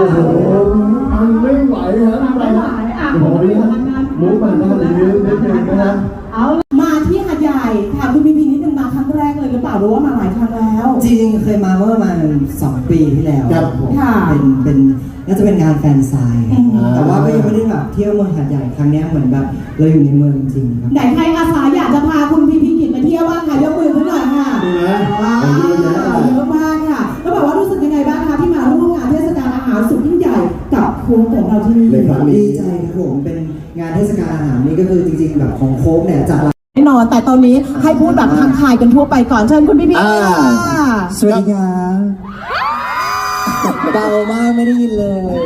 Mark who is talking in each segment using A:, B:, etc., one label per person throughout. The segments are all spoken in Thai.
A: โหมันไม่ไหวครับไม่ไหวโอ้ยมุกมันต้องนิดนึงนะ
B: เอามาที่หาดใหญ่ถามคุณพีนิดนึงมาครั้งแรกเลยหรือเปล่าหรือว่ามาหลายครั้งแล้ว
C: จริงๆเคยมาเมื่อประมาณ2 ปีที่แล้ว
B: ค่ะ
C: เป็นน่าจะเป็นงานแฟนไซน์แต่ว่าก็ยังไม่ได้แบบเที่ยวเมืองหาดใหญ่ครั้งนี้เหมือนแบบเราอยู่ในเมืองจริงครับ
B: ไหนใครอาสาอยากจะพาคุณพีนิดมาเที่ยวบ้างค่ะยกมือขึ้นหน่อยค่ะเยอะมากค่ะแล้วบอกว่ารู้สึกยังไงบ้างคะที่มาร่วมงานเทศกาลอาหารสุดยิ่งใหญ่กับโค้กของเราที่นี่
C: ดีใจครับผมเป็นงานเทศกาลอาหารนี่ก็คือจริงๆแบบของโค้กเนี่ยจัด
B: แน่นอนแต่ตอนนี้ให้พูดแบบทักทายกันทั่วไปก่อนเชิญคุณพี่
C: สวัสดีครับเบามากไม่ได้ยินเลย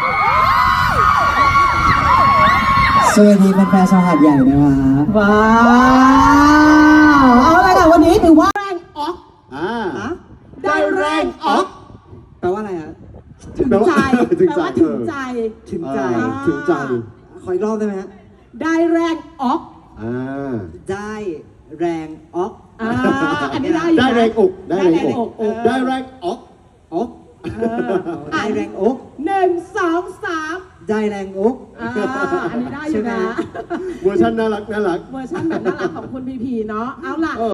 C: สวัสดีแฟนๆชาวหาดใหญ่นะครับ
B: ว้าวเอาอะไรกันวันนี้ถือว่าแรงออกได้แรงออก
C: แปลว่าอะไรฮะ
B: ถึงใจแปลว่าถึงใจ
C: ถึงใจขออีกรอบได้ไหมฮะ
B: ได้แรงออก
C: ได้แรงออก
B: อันนี้ได้
A: ได้แรงอก
B: ได้แรงอก
A: ได้แรงอก
C: ได้แรงอก
B: 1 2 3
C: ได้แรงอก
B: อันนี้ได้อยู่นะ
A: เวอร์ชันน่ารัก
B: เวอร์ชันแบบน่ารักของคุณพีเนาะเอาล่ะ